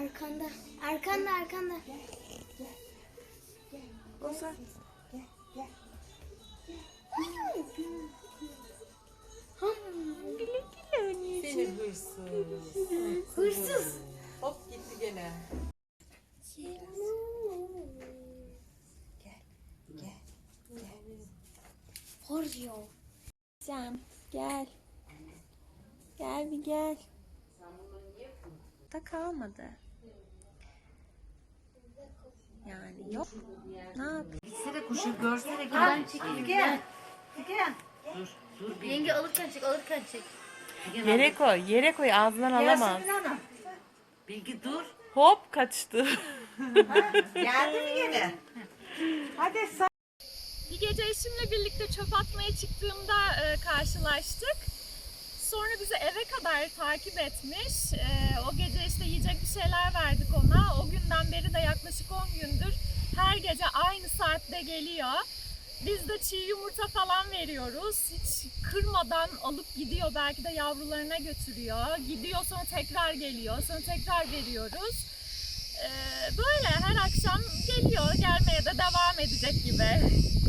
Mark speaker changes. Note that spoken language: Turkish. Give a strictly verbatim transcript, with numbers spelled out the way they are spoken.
Speaker 1: Arkanda. Arkanda arkanda.
Speaker 2: Ozan. Güle güle anneciğim.
Speaker 3: Seni hırsız.
Speaker 1: Hırsız.
Speaker 3: Hop gitti gene.
Speaker 2: Gel. Gel. Gel.
Speaker 1: Horyo.
Speaker 2: Cem gel. Gel bir gel. Da kalmadı. Yani yok. Ne yapayım?
Speaker 4: Gitsene kuşu görsene ki ben çekeyim. Gel. Gel. Dur, dur. Bir
Speaker 1: Yenge alırken çek alırken çek.
Speaker 2: Yere koy, yere koy. Ağzından alamaz.
Speaker 4: Bilgi dur.
Speaker 2: Hop kaçtı.
Speaker 4: Geldi mi gene? Hadi sen.
Speaker 2: Bir gece eşimle birlikte çöp atmaya çıktığımda e, karşılaştık. Sonra bizi eve kadar takip etmiş. E, o gece işte yiyecek bir şeyler verdik ona. O günden beri de yaklaşık on gündür her gece aynı saatte geliyor. Biz de çiğ yumurta falan veriyoruz. Hiç kırmadan alıp gidiyor. Belki de yavrularına götürüyor. Gidiyor sonra tekrar geliyor. Sonra tekrar veriyoruz. E, böyle her akşam geliyor. Gelmeye de devam edecek gibi.